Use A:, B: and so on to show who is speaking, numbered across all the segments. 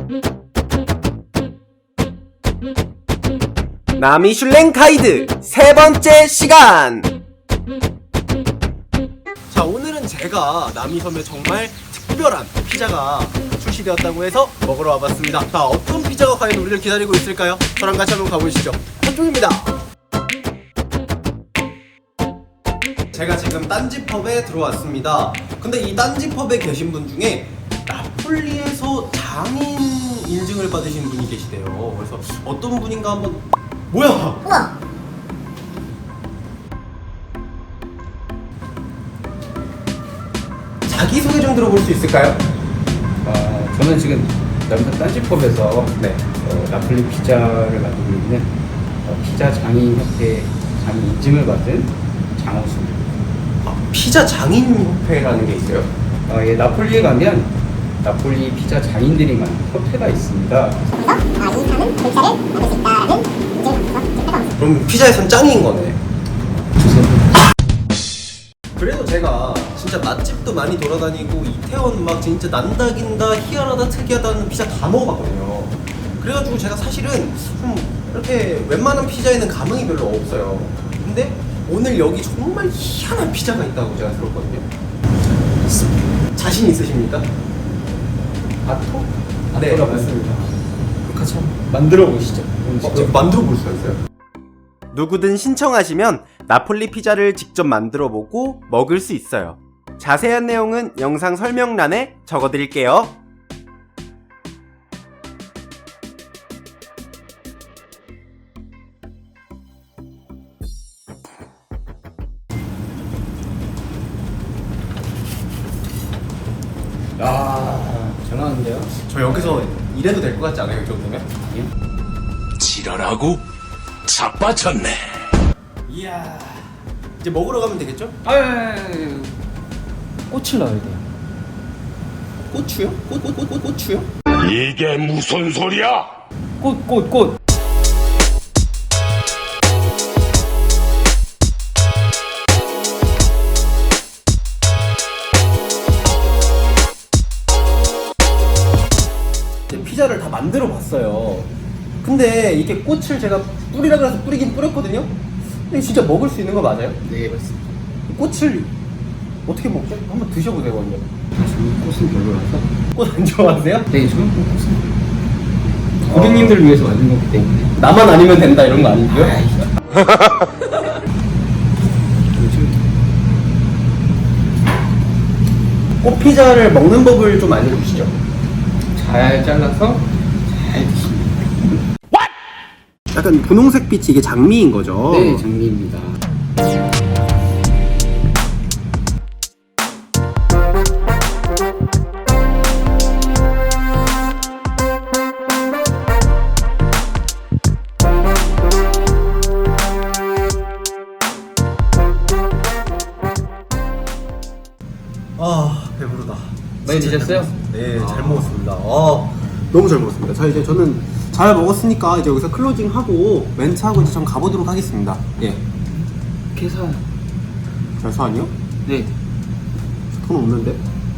A: 나미슐랭 가이드 세 번째 시간. 자, 오늘은 제가 남이섬에 정말 특별한 피자가 출시되었다고 해서 먹으러 와봤습니다. 자, 어떤 피자가 과연 우리를 기다리고 있을까요? 저랑 같이 한번 가보시죠. 한쪽입니다. 제가 지금 딴지펍에 들어왔습니다. 근데 이 딴지펍에 계신 분 중에 나폴리에서 장인 인증을 받으신 분이 계시대요. 그래서 어떤 분인가 한번. 뭐야?
B: 우와!
A: 자기소개 좀 들어볼 수 있을까요?
C: 저는 지금 남산 딴지펍에서 나폴리 피자를 만들고 있는 피자 장인 협회 장인 인증을 받은 장호수입니다.
A: 피자 장인 협회라는 게 있어요?
C: 예, 나폴리에 가면 나폴리 피자 장인들이 만든 협회가 있습니다.
B: 그래서 이 사람은 글자를 만들 수 있다라는 인증을 받아서
A: 그럼 피자에선 짱인 거네.
C: 주세요.
A: 그래도 제가 진짜 맛집도 많이 돌아다니고 이태원 막 진짜 난다긴다 희한하다 특이하다는 피자 다 먹어봤거든요. 그래가지고 제가 사실은 좀 이렇게 웬만한 피자에는 감흥이 별로 없어요. 근데 오늘 여기 정말 희한한 피자가 있다고 제가 들었거든요. 자신 있으십니까?
C: 아토?
A: 네,
C: 아토라고
A: 맞습니다.
C: 같이 한번 만들어 보시죠.
A: 직접 만들어 볼 수가 있어요? 누구든 신청하시면 나폴리 피자를 직접 만들어 보고 먹을 수 있어요. 자세한 내용은 영상 설명란에 적어드릴게요.
C: 전화 왔는데요?
A: 저 여기서 일해도 될 것 같지 않아요? 이 정도면?
D: 지랄하고 자빠졌네.
A: 이야, 이제 먹으러 가면 되겠죠?
C: 꽃을 넣어야 돼요.
A: 고추요? 고추요?
D: 이게 무슨 소리야?
C: 꽃.
A: 피자를 다 만들어 봤어요. 근데 이게 꽃을 제가 뿌리라 그래서 뿌리긴 뿌렸거든요? 근데 진짜 먹을 수 있는 거 맞아요?
C: 네, 맞습니다.
A: 꽃을 어떻게 먹죠? 한번 드셔보세요, 먼저.
C: 저는 꽃은 별로라서.
A: 꽃 안 좋아하세요?
C: 네, 저는 꽃은 고객님들을 위해서 만든 거기 때문에.
A: 나만 아니면 된다 이런 거 아니고요? 꽃피자를 먹는 법을 좀 알려주시죠.
C: 잘 잘라서 잘 드십니다.
A: 약간 분홍색 빛이 이게 장미인 거죠?
C: 네, 장미입니다.
A: 아, 배부르다.
C: 많이
A: 진짜
C: 드셨어요?
A: 잘 먹었습니다. 네, 잘 먹었습니다. 너무 잘 먹었습니다. 자, 이제 저는 잘 먹었으니까 이제 여기서 클로징하고 멘트하고 이제 전 가보도록 하겠습니다. 예.
C: 계산.
A: 결산이요?
C: 네.
A: 돈 없는데?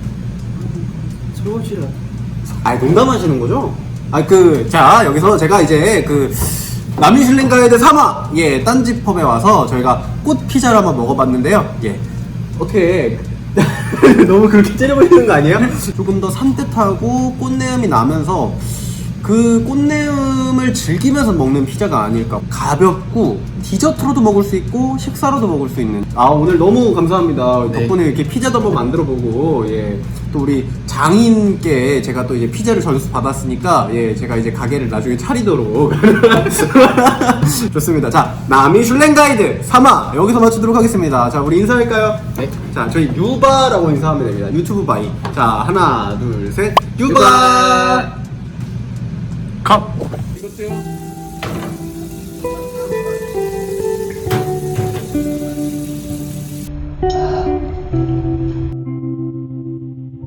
C: 설거지를.
A: 아니, 농담하시는 거죠? 자, 여기서 제가 이제 남이슐랭 가이드 3화, 예, 딴지펍에 와서 저희가 꽃 피자를 한번 먹어봤는데요. 예. 어떻게, 너무 그렇게 째려보이는 거 아니에요? 조금 더 산뜻하고 꽃내음이 나면서 그 꽃내음을 즐기면서 먹는 피자가 아닐까. 가볍고 디저트로도 먹을 수 있고 식사로도 먹을 수 있는. 오늘 너무 감사합니다.
C: 네.
A: 덕분에 이렇게 피자도 한번 만들어보고, 예, 또 우리 장인께 제가 또 이제 피자를 전수 받았으니까, 예, 제가 이제 가게를 나중에 차리도록. 좋습니다. 자, 나미슐랭 가이드 3화 여기서 마치도록 하겠습니다. 자, 우리 인사할까요?
C: 네.
A: 자, 저희 유바라고 인사하면 됩니다. 유튜브 바이. 자, 하나 둘 셋, 유바.
D: 컵.
C: 이것도요.